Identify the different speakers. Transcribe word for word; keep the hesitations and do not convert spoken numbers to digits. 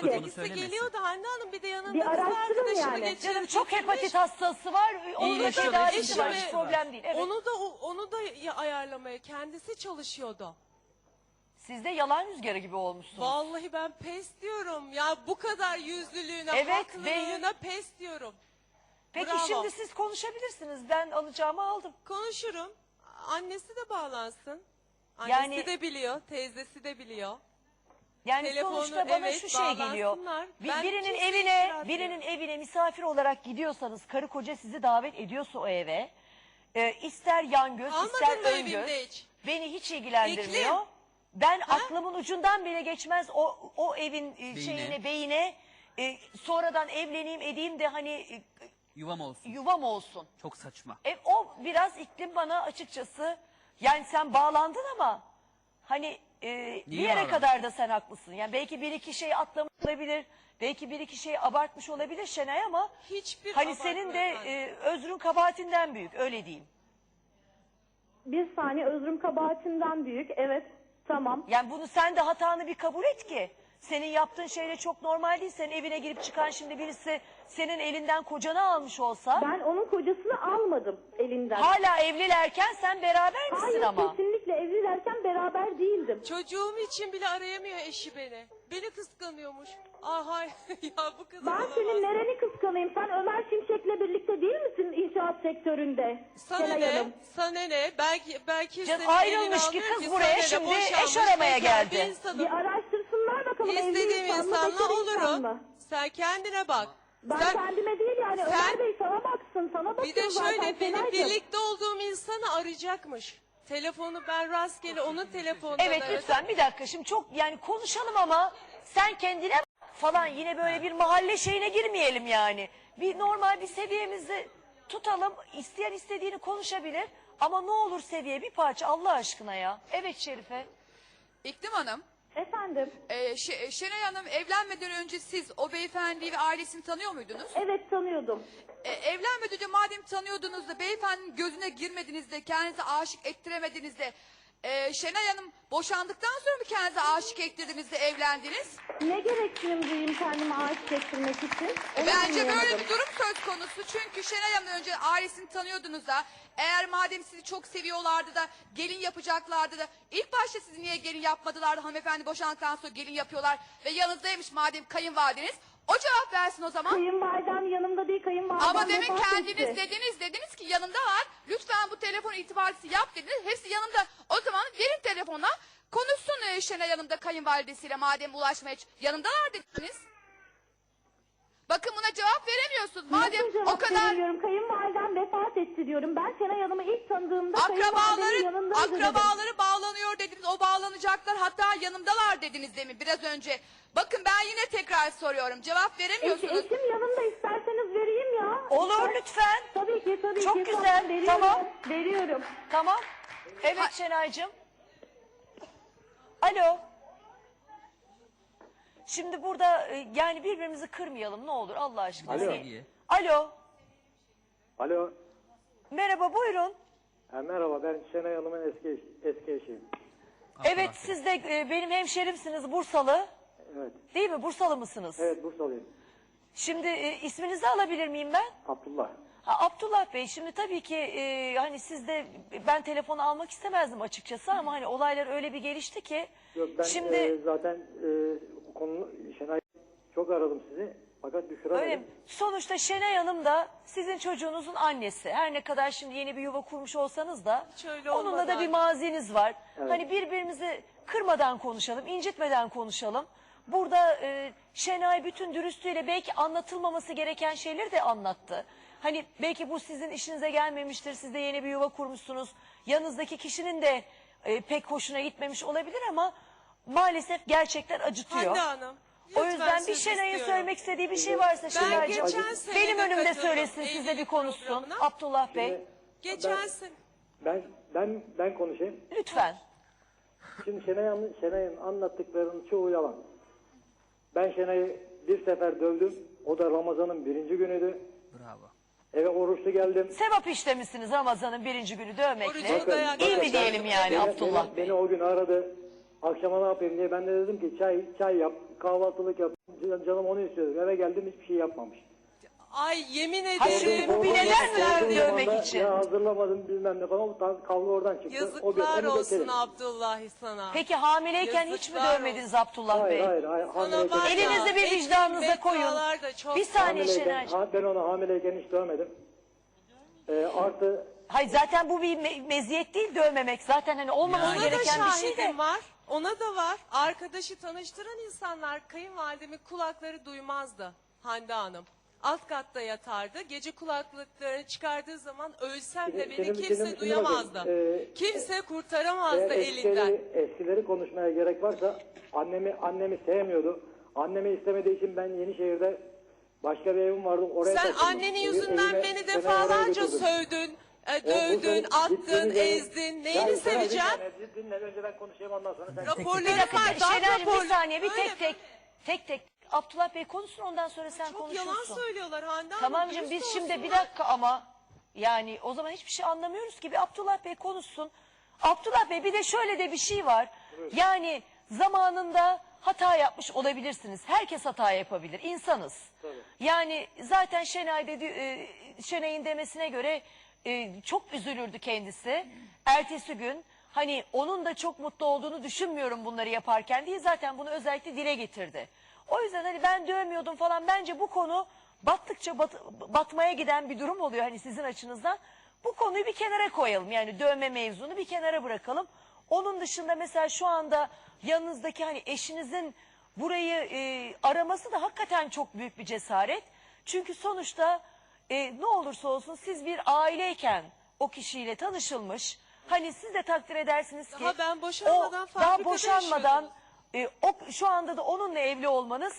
Speaker 1: ki.
Speaker 2: Kendisi
Speaker 3: söylemesin.
Speaker 2: geliyordu Hande Hanım, bir de yanında
Speaker 1: Bir
Speaker 2: kız
Speaker 1: araştırın
Speaker 2: arkadaşını
Speaker 1: yani.
Speaker 2: getirmiş.
Speaker 4: Canım çok hepatit hastası var. Onun da
Speaker 3: yaşıyor,
Speaker 4: tedavisi var.
Speaker 3: eşi
Speaker 4: Hiç
Speaker 3: var.
Speaker 4: problem değil. Evet.
Speaker 2: Onu da onu da ya- ayarlamaya kendisi çalışıyordu.
Speaker 4: Siz de yalan rüzgarı gibi olmuşsunuz.
Speaker 2: Vallahi ben pes diyorum. Ya bu kadar yüzlülüğüne,
Speaker 4: Evet,
Speaker 2: haklılığına pes diyorum.
Speaker 4: Peki
Speaker 2: Bravo.
Speaker 4: şimdi siz konuşabilirsiniz. Ben alacağımı aldım.
Speaker 2: Konuşurum. Annesi de bağlansın. Annesi
Speaker 4: Yani-
Speaker 2: de biliyor, teyzesi de biliyor.
Speaker 4: Yani
Speaker 2: Telefonu,
Speaker 4: sonuçta bana
Speaker 2: evet,
Speaker 4: şu şey geliyor.
Speaker 2: bağlansınlar.
Speaker 4: Bir,
Speaker 2: Ben
Speaker 4: birinin
Speaker 2: kimseye
Speaker 4: evine,
Speaker 2: itiraz
Speaker 4: birinin
Speaker 2: etmiyorum.
Speaker 4: evine misafir olarak gidiyorsanız, karı koca sizi davet ediyorsa o eve, e, ister yan göz,
Speaker 2: Almadın
Speaker 4: ister
Speaker 2: mı
Speaker 4: ön
Speaker 2: evimde
Speaker 4: göz,
Speaker 2: hiç?
Speaker 4: beni hiç ilgilendirmiyor.
Speaker 2: İklim.
Speaker 4: Ben aklımın ucundan bile geçmez o o evin e, şeyine, beyine, e, sonradan evleneyim edeyim de hani e,
Speaker 3: Yuvam olsun.
Speaker 4: yuvam olsun.
Speaker 3: Çok saçma.
Speaker 4: E, o biraz iklim bana açıkçası, yani sen bağlandın ama hani e, bir yere
Speaker 3: bağlandın?
Speaker 4: kadar da sen haklısın. Yani belki bir iki şey atlamış olabilir, belki bir iki şey abartmış olabilir Şenay ama
Speaker 2: Hiçbir
Speaker 4: hani senin de
Speaker 2: abartma
Speaker 4: e, özrün kabahatinden büyük, öyle diyeyim.
Speaker 1: Bir saniye, özrüm kabahatinden büyük. Evet, tamam.
Speaker 4: Yani bunu sen de hatanı bir kabul et ki. Senin yaptığın şeyle çok normal değil. Senin evine girip çıkan şimdi birisi senin elinden kocanı almış olsa.
Speaker 1: Ben onun kocasını almadım elinden.
Speaker 4: Hala evlilerken sen beraber misin
Speaker 1: Hayır,
Speaker 4: ama?
Speaker 1: kesinlikle evlilerken beraber değildim.
Speaker 2: Çocuğum için bile arayamıyor eşi beni. Beni kıskanıyormuş. Ah hay ya, bu kadar
Speaker 1: Ben
Speaker 2: olamaz.
Speaker 1: senin nereni kıskanayım? Sen Ömer Şimşek'le birlikte değil misin inşaat sektöründe?
Speaker 2: Sana
Speaker 1: Şenay
Speaker 2: ne?
Speaker 1: Hanım.
Speaker 2: Sana ne? Belki belki
Speaker 4: Canım,
Speaker 2: senin
Speaker 4: ayrılmış
Speaker 2: elini
Speaker 4: ki
Speaker 2: alıyor
Speaker 4: kız
Speaker 2: ki
Speaker 4: buraya
Speaker 2: sana ne?
Speaker 4: şimdi
Speaker 2: Boşanmış,
Speaker 4: eş aramaya
Speaker 2: bekar bir
Speaker 4: geldi.
Speaker 2: insanım.
Speaker 1: Bir araştırsınlar bakalım, evli
Speaker 2: İstediğim
Speaker 1: insan mı,
Speaker 2: insanla
Speaker 1: bekar insan
Speaker 2: olurum.
Speaker 1: mı?
Speaker 2: Sen kendine bak.
Speaker 1: Ben
Speaker 2: Sen-
Speaker 1: kendime değil yani,
Speaker 2: sen-
Speaker 1: Ömer Bey sana baksın, sana bakıyor
Speaker 2: Bir de
Speaker 1: zaten
Speaker 2: şöyle, benim
Speaker 1: Şenaycığım.
Speaker 2: birlikte olduğum insanı arayacakmış. Telefonu ben rastgele onun telefonundan
Speaker 4: Evet
Speaker 2: aradım.
Speaker 4: lütfen bir dakika, şimdi çok yani konuşalım ama sen kendine falan yine böyle bir mahalle şeyine girmeyelim yani. Bir normal bir seviyemizi tutalım, isteyen istediğini konuşabilir ama ne olur seviye bir parça Allah aşkına ya. Evet Şerife.
Speaker 5: İklim Hanım,
Speaker 1: Efendim,
Speaker 5: e, Ş- Şenay Hanım evlenmeden önce siz o beyefendiyi ve ailesini tanıyor muydunuz?
Speaker 1: evet tanıyordum.
Speaker 5: E, evlenmeden önce madem tanıyordunuz da beyefendinin gözüne girmediniz de kendinize aşık ettiremediniz de e, Şenay Hanım boşandıktan sonra mı kendinize aşık ettirdiniz de evlendiniz?
Speaker 1: Ne gereksinim duyayım kendime aşık ettirmek için? Onu
Speaker 5: Bence böyle
Speaker 1: anlayamadım.
Speaker 5: bir durum söz konusu. Çünkü Şenay Hanım'dan önce ailesini tanıyordunuz da eğer madem sizi çok seviyorlardı da gelin yapacaklardı da ilk başta sizi niye gelin yapmadılar da hanımefendi boşandıktan sonra gelin yapıyorlar ve yanınızdaymış madem kayınvalideniz, o cevap versin o zaman.
Speaker 1: Kayınvalidem yanımda değil, kayınvalidem
Speaker 5: Ama demin
Speaker 1: vefat
Speaker 5: kendiniz
Speaker 1: etti.
Speaker 5: dediniz, dediniz ki yanındalar. Lütfen bu telefon itibarlısı yap dediniz. Hepsi yanında. O zaman verin telefona. Konuşsun e, Şenay Hanım da kayınvalidesiyle madem ulaşmaya ç- yanındalar dediniz. Bakın buna cevap veremiyorsunuz. Madem
Speaker 1: Nasıl
Speaker 5: o
Speaker 1: cevap
Speaker 5: kadar
Speaker 1: veremiyorum? Kayınvalidem vefat etti diyorum. Ben Şenay Hanım'ı ilk tanıdığımda kayınvalidemin
Speaker 5: akrabaları
Speaker 1: yanındaydı dedim.
Speaker 5: akrabaları bağlanıyor dediniz. O bağlanacaklar, hatta yanımdalar dediniz demin biraz önce. Bakın ben yine tekrar soruyorum. Cevap
Speaker 1: Eşi,
Speaker 5: veremiyorsunuz.
Speaker 1: eşim yanımda, isterseniz vereyim ya.
Speaker 4: Olur lütfen.
Speaker 1: Tabii ki, tabii
Speaker 4: Çok
Speaker 1: ki.
Speaker 4: güzel,
Speaker 1: Tamam, veriyorum,
Speaker 4: tamam.
Speaker 1: Veriyorum.
Speaker 4: Tamam. Evet Şenaycığım. Alo. Şimdi burada e, yani birbirimizi kırmayalım ne olur Allah aşkına.
Speaker 6: Alo.
Speaker 4: Hani- Alo.
Speaker 6: Alo.
Speaker 4: Merhaba buyurun.
Speaker 6: Ha, merhaba, ben Şenay Hanım'ın eski eş- eski eşiyim.
Speaker 4: Evet siz de e, benim hemşerimsiniz Bursalı.
Speaker 6: Evet.
Speaker 4: Değil mi? Bursalı mısınız?
Speaker 6: Evet, Bursalıyım.
Speaker 4: Şimdi e, isminizi alabilir miyim ben?
Speaker 6: Abdullah.
Speaker 4: Ha, Abdullah Bey şimdi tabii ki e, hani sizde ben telefonu almak istemezdim açıkçası ama hani olaylar öyle bir gelişti ki.
Speaker 6: Yok, ben
Speaker 4: şimdi
Speaker 6: e, zaten e, bu konu Şenay çok aradım sizi fakat düşüremedim.
Speaker 4: öyle mi? Sonuçta Şenay Hanım da sizin çocuğunuzun annesi. Her ne kadar şimdi yeni bir yuva kurmuş olsanız da
Speaker 2: Hiç öyle
Speaker 4: onunla da
Speaker 2: olmadı
Speaker 4: bir
Speaker 2: anne.
Speaker 4: maziniz var.
Speaker 6: Evet.
Speaker 4: Hani birbirimizi kırmadan konuşalım, incitmeden konuşalım. Burada e, Şenay bütün dürüstlüğüyle belki anlatılmaması gereken şeyleri de anlattı. Hani belki bu sizin işinize gelmemiştir. Siz de yeni bir yuva kurmuşsunuz. Yanınızdaki kişinin de e, pek hoşuna gitmemiş olabilir ama maalesef gerçekler acıtıyor.
Speaker 2: Hande Hanım.
Speaker 4: O
Speaker 2: lütfen
Speaker 4: yüzden bir
Speaker 2: söz
Speaker 4: Şenay'ın
Speaker 2: istiyorum.
Speaker 4: söylemek istediği bir şey varsa
Speaker 2: Ben
Speaker 4: Şenay'cığım
Speaker 2: geçen sene
Speaker 4: benim
Speaker 2: de
Speaker 4: önümde
Speaker 2: katıldım
Speaker 4: söylesin, siz de bir
Speaker 2: evlilik
Speaker 4: konuşsun.
Speaker 2: programına.
Speaker 4: Abdullah Bey
Speaker 6: Şimdi
Speaker 2: Geçen sene.
Speaker 6: ben ben ben konuşayım.
Speaker 4: lütfen.
Speaker 6: Şimdi Şenay Hanım- Şenay'ın anlattıklarının çoğu yalan. Ben Şenay'ı bir sefer dövdüm. O da Ramazan'ın birinci günüydü.
Speaker 3: Bravo.
Speaker 6: Eve oruçlu geldim.
Speaker 4: Sevap işlemişsiniz Ramazan'ın birinci günü dövmekle.
Speaker 2: Orucu dayak
Speaker 4: İyi
Speaker 2: yedim.
Speaker 4: mi diyelim yani
Speaker 6: Beni-
Speaker 4: Abdullah
Speaker 6: beni,
Speaker 4: Bey?
Speaker 6: beni o gün aradı. Akşama ne yapayım diye ben de dedim ki çay çay yap, kahvaltılık yap. Canım onu istiyordu. Eve geldim hiçbir şey yapmamış.
Speaker 2: Ay yemin
Speaker 4: Hayır,
Speaker 2: ederim.
Speaker 4: bu bir neler mi
Speaker 6: Sorduğum
Speaker 4: verdi
Speaker 6: zaman
Speaker 4: övmek
Speaker 6: da,
Speaker 4: için?
Speaker 6: Ya hazırlamadım bilmem ne falan. Tam kavga oradan çıktı. O bir-
Speaker 2: Yazıklar
Speaker 6: onu
Speaker 2: olsun
Speaker 6: geçelim.
Speaker 2: Abdullahi sana.
Speaker 4: Peki hamileyken hiç mi
Speaker 2: Yazıklar
Speaker 4: dövmediniz Abdullah
Speaker 6: Hayır
Speaker 4: Bey?
Speaker 6: hayır. hayır
Speaker 2: Sana
Speaker 6: hamileyken-
Speaker 2: var ya,
Speaker 4: Elinizi bir
Speaker 2: eski
Speaker 4: vicdanınıza koyun.
Speaker 2: beddualar da çok
Speaker 4: Bir saniye
Speaker 6: hamileyken-
Speaker 4: Şenaycığım.
Speaker 6: ha, ben onu hamileyken hiç dövmedim. Ee, artı
Speaker 4: Hayır zaten bu bir me- meziyet değil dövmemek. Zaten hani olmaması
Speaker 2: Ona da
Speaker 4: gereken bir şey de.
Speaker 2: şahidim var. Ona da var. Arkadaşı tanıştıran insanlar kayınvalidemin kulakları duymazdı Hande Hanım. Alt katta yatardı. Gece kulaklıklarını çıkardığı zaman ölsem de
Speaker 6: Şimdi-
Speaker 2: beni
Speaker 6: şimdi-
Speaker 2: kimse
Speaker 6: şimdi
Speaker 2: duyamazdı.
Speaker 6: bakın, e,
Speaker 2: kimse
Speaker 6: eğer
Speaker 2: kurtaramazdı elinden.
Speaker 6: eskileri, eskileri konuşmaya gerek varsa annemi annemi sevmiyordu. Annemi istemediği için ben Yenişehir'de başka bir evim vardı. Oraya
Speaker 2: Sen
Speaker 6: taşındım.
Speaker 2: annenin
Speaker 6: Evi-
Speaker 2: yüzünden
Speaker 6: evime-
Speaker 2: beni
Speaker 6: beni
Speaker 2: defalarca
Speaker 6: oraya götürdüm.
Speaker 2: sövdün, e,
Speaker 6: O- bu
Speaker 2: dövdün,
Speaker 6: senin
Speaker 2: attın,
Speaker 6: gittiğiniz yere-
Speaker 2: ezdin.
Speaker 6: Ya
Speaker 2: Neyini
Speaker 6: sen
Speaker 2: seveceğim?
Speaker 6: dinle, dinle, önce ben konuşayım ondan sonra sen.
Speaker 2: Raporları
Speaker 4: Bir dakika
Speaker 2: var, darp
Speaker 4: Şenaycığım bir
Speaker 2: raporları.
Speaker 4: saniye bir
Speaker 2: Öyle
Speaker 4: tek tek tek tek. Abdullah Bey konuşsun ondan sonra sen
Speaker 2: Çok
Speaker 4: konuşursun.
Speaker 2: yalan söylüyorlar Hande Hanım.
Speaker 4: Tamamcığım
Speaker 2: dürüst
Speaker 4: biz şimdi bir
Speaker 2: olsunlar.
Speaker 4: dakika ama yani o zaman hiçbir şey anlamıyoruz ki. Bir Abdullah Bey konuşsun. Abdullah Bey bir de şöyle de bir şey var. Yani zamanında hata yapmış olabilirsiniz. Herkes hata yapabilir. İnsanız. Yani zaten Şenay dedi, e, Şenay'ın demesine göre e, çok üzülürdü kendisi. Ertesi gün hani onun da çok mutlu olduğunu düşünmüyorum bunları yaparken diye zaten bunu özellikle dile getirdi. O yüzden hani ben dövmüyordum falan bence bu konu battıkça bat- batmaya giden bir durum oluyor hani sizin açınızdan. Bu konuyu bir kenara koyalım yani dövme mevzunu bir kenara bırakalım. Onun dışında mesela şu anda yanınızdaki hani eşinizin burayı e, araması da hakikaten çok büyük bir cesaret. Çünkü sonuçta e, ne olursa olsun siz bir aileyken o kişiyle tanışılmış. Hani siz de takdir edersiniz ki
Speaker 2: Daha ben boşanmadan
Speaker 4: o, daha
Speaker 2: fabrikada
Speaker 4: boşanmadan
Speaker 2: yaşıyordunuz.
Speaker 4: e, o, şu anda da onunla evli olmanız